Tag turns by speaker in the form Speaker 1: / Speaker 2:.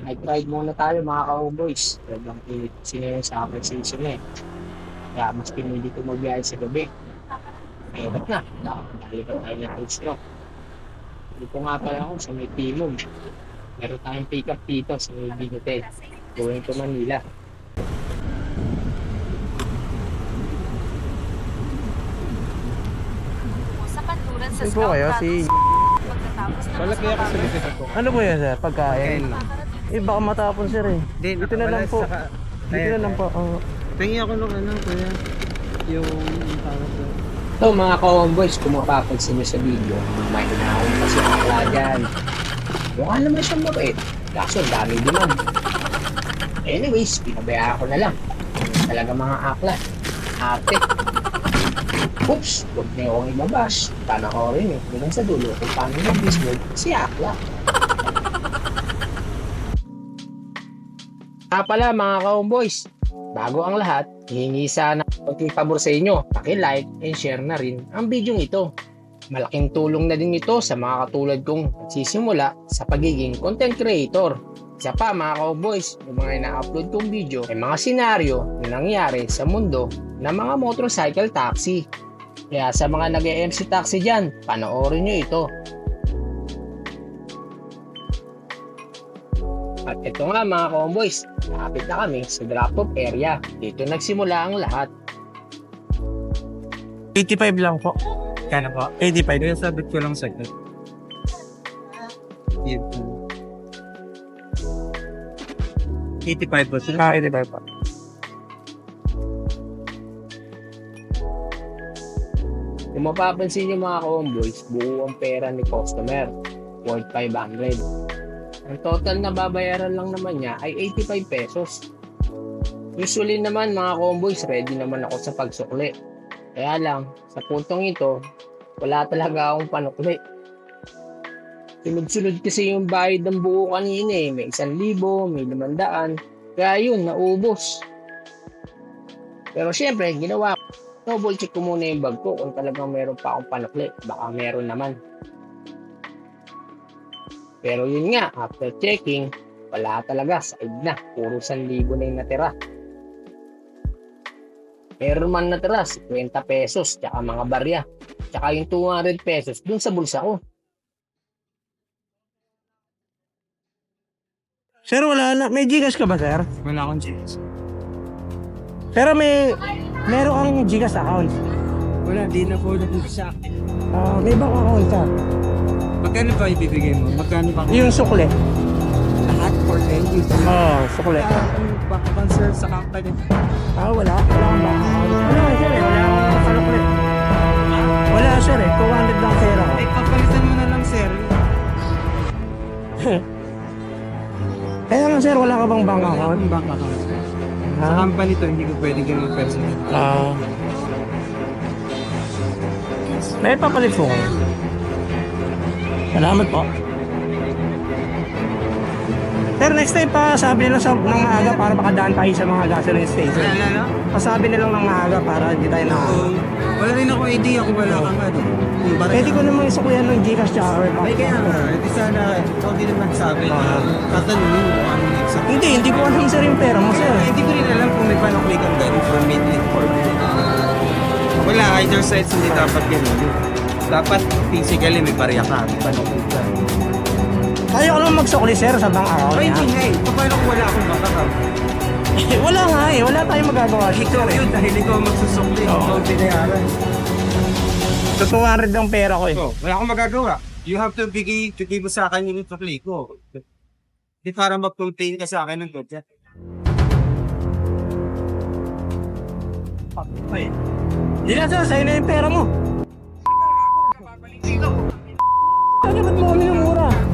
Speaker 1: Night ride muna tayo mga ka-homeboys. Talagang init kasi ngayon sa upper season eh. Kaya mas pinili ko magbiyahe sa gabi. Mahirap na. Nakalipat tayo ng Hills Rock. Dito nga pala ako sa may Timog. Meron tayong pick up dito sa may Big Hotel. Going to Manila.
Speaker 2: Sa kanluran sa
Speaker 3: Saan po kayo?
Speaker 2: pagkatapos ng
Speaker 4: Wala kaya kasi dito po.
Speaker 3: Ano po yan, sir? Pagkain?
Speaker 4: Kain lang.
Speaker 3: Eh, baka matapon, sir eh. Dito na lang po. Dito na lang po.
Speaker 4: Tingin ako nung ano, kuya. Yung tawag ko.
Speaker 1: So mga ka-homeboys, kung mapapansin nyo sa video, may hinahon kasi ang akla dyan. Mukha naman siyang mabait. Kaso dami demand. Anyways, pinabayaan ko na lang. Talaga mga akla. Ate. Oops, huwag niyo akong ibabas. Panoorin niyo hanggang sa dulo kung paano nag-business si akla. Pala mga ka-homeboys, bago ang lahat, hihingi sana konting pabor sa inyo. Paki-like and share na rin ang video ito. Malaking tulong na din ito sa mga katulad kong nagsisimula sa pagiging content creator. Isa pa mga ka-homeboys, yung mga ina-upload kong video ay mga senaryo na nangyari sa mundo ng mga motorcycle taxi. Kaya sa mga nag-MC taxi dyan, panoorin nyo ito. At ito nga mga ka-homeboys, lapit na kami sa drop-off area. Dito nagsimula ang lahat.
Speaker 3: 85 lang po.
Speaker 4: Kano po?
Speaker 3: 85.
Speaker 4: Kaya sabit ko lang sa ito. Yun. 85 po sir.
Speaker 3: 85 po.
Speaker 1: Kung mapapansin nyo mga ka-homeboys, buo ang pera ni customer, worth 500. Ang total na babayaran lang naman niya ay 85 pesos. Usually naman mga ka-homeboys, ready naman ako sa pagsukli. Kaya lang, sa puntong ito, wala talaga akong panukli. Sunod-sunod kasi yung bayad ng buo kanina eh. May 1,000, may 500. Kaya yun, naubos. Pero syempre, ginawa ko. Double check ko muna yung bag ko kung talagang meron pa akong panukli. Baka meron naman. Pero yun nga, after checking, wala talaga, side na. Puro 1,000 na yung natira. Meron man natira, 50 pesos, tsaka mga barya. Tsaka yung 200 pesos dun sa bulsa ko.
Speaker 3: Sir, wala na. May Gcash ka ba, sir?
Speaker 4: Wala akong chance.
Speaker 3: Pero meron kang Gcash account.
Speaker 4: Wala, di na po nabig sa akin.
Speaker 3: May bank account, sir.
Speaker 4: Magkano ba ibibigay mo? Magkano ba?
Speaker 3: Yung sukle.
Speaker 4: Lahat for 10 years.
Speaker 3: Sukle.
Speaker 4: Baka bang sir sa company?
Speaker 3: Wala. Wala kang bank account. Ano nga, sir? Wala akong panukli. Wala, sir 200 lang pera ko.
Speaker 4: Eh, papalitan mo na lang sir.
Speaker 3: Kaya nga, sir, wala ka bang bank
Speaker 4: Wala
Speaker 3: account?
Speaker 4: akong bank account sir. Sa company to, hindi ko pwede ganun personal.
Speaker 3: May papalit po kayo. Salamat po. Sir, next time pa sabi nila ng maaga para makadaan tayo sa mga gasoline station.
Speaker 4: Ano?
Speaker 3: Pasabi nilang ng maaga para hindi tayo na...
Speaker 4: Wala rin ako idea kung wala kang ano.
Speaker 3: Pwede ko namang isukuyan ng Gcash tsaka or
Speaker 4: Ay kaya nga, edi sana ikaw din naman sabi na tatanungin mo kung ano yung exact.
Speaker 3: Hindi ko alam sir yung pera mo, sir.
Speaker 4: Hindi ko rin alam kung may panukli kang ganun from mid-link or wala, either sides hindi dapat ganun. Dapat physically may barya ka, may panukli ka.
Speaker 3: Kaya ko naman magsukli, sir, sa bank account
Speaker 4: Ay,
Speaker 3: niya.
Speaker 4: hindi nga eh. Paano kung wala akong bank account?
Speaker 3: Wala nga eh. Wala tayong magagawa.
Speaker 4: Ikaw yun dahil ikaw magsusukli. Ikaw binayaran.
Speaker 3: So, 200 ang pera ko eh.
Speaker 4: So, wala akong magagawa. You have to bigay mo sa akin yung sukli ko. Hindi para mag-contain ka sa akin ng kotse.
Speaker 3: Hindi na sir, sa'yo na yung pera mo. Ano ba't mo kami ng mura?